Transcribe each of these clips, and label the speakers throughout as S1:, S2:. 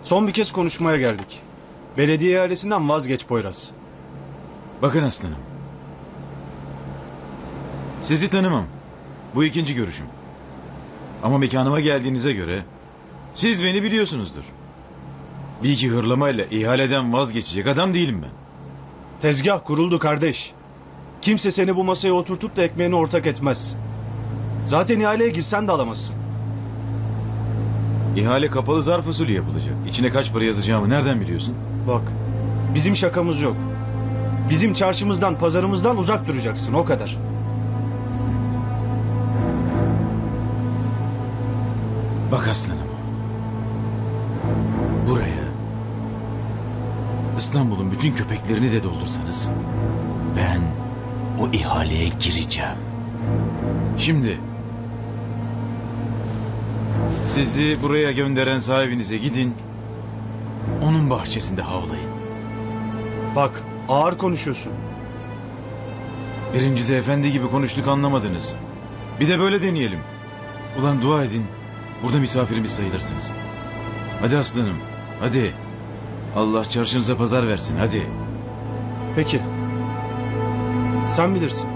S1: Son bir kez konuşmaya geldik. Belediye ihalesinden vazgeç Poyraz.
S2: Bakın aslanım. Sizi tanımam. Bu ikinci görüşüm. Ama mekanıma geldiğinize göre siz beni biliyorsunuzdur. Bir iki hırlamayla ihaleden vazgeçecek adam değilim ben.
S1: Tezgah kuruldu kardeş. Kimse seni bu masaya oturtup da ekmeğini ortak etmez. Zaten ihaleye girsen de alamazsın.
S2: İhale kapalı zarf usulü yapılacak. İçine kaç para yazacağımı nereden biliyorsun?
S1: Bak, bizim şakamız yok. Bizim çarşımızdan, pazarımızdan uzak duracaksın, o kadar.
S2: Bak aslanım. Buraya İstanbul'un bütün köpeklerini de doldursanız ben o ihaleye gireceğim. Şimdi sizi buraya gönderen sahibinize gidin. Onun bahçesinde havlayın.
S1: Bak, ağır konuşuyorsun.
S2: Birincide efendi gibi konuştuk, anlamadınız. Bir de böyle deneyelim. Ulan dua edin. Burada misafirimiz sayılırsınız. Hadi aslanım. Hadi. Allah çarşınıza pazar versin. Hadi.
S1: Peki. Sen bilirsin.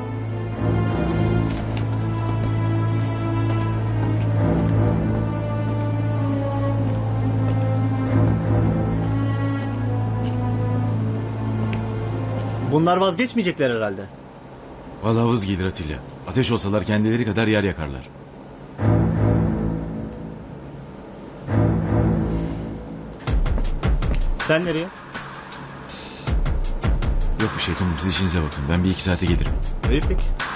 S3: Bunlar vazgeçmeyecekler herhalde.
S2: Vallahi vız gelir Atilla. Ateş olsalar kendileri kadar yer yakarlar.
S3: Sen nereye?
S2: Yok bir şey, tamam, siz işinize bakın. Ben bir iki saate gelirim.
S3: İyi peki.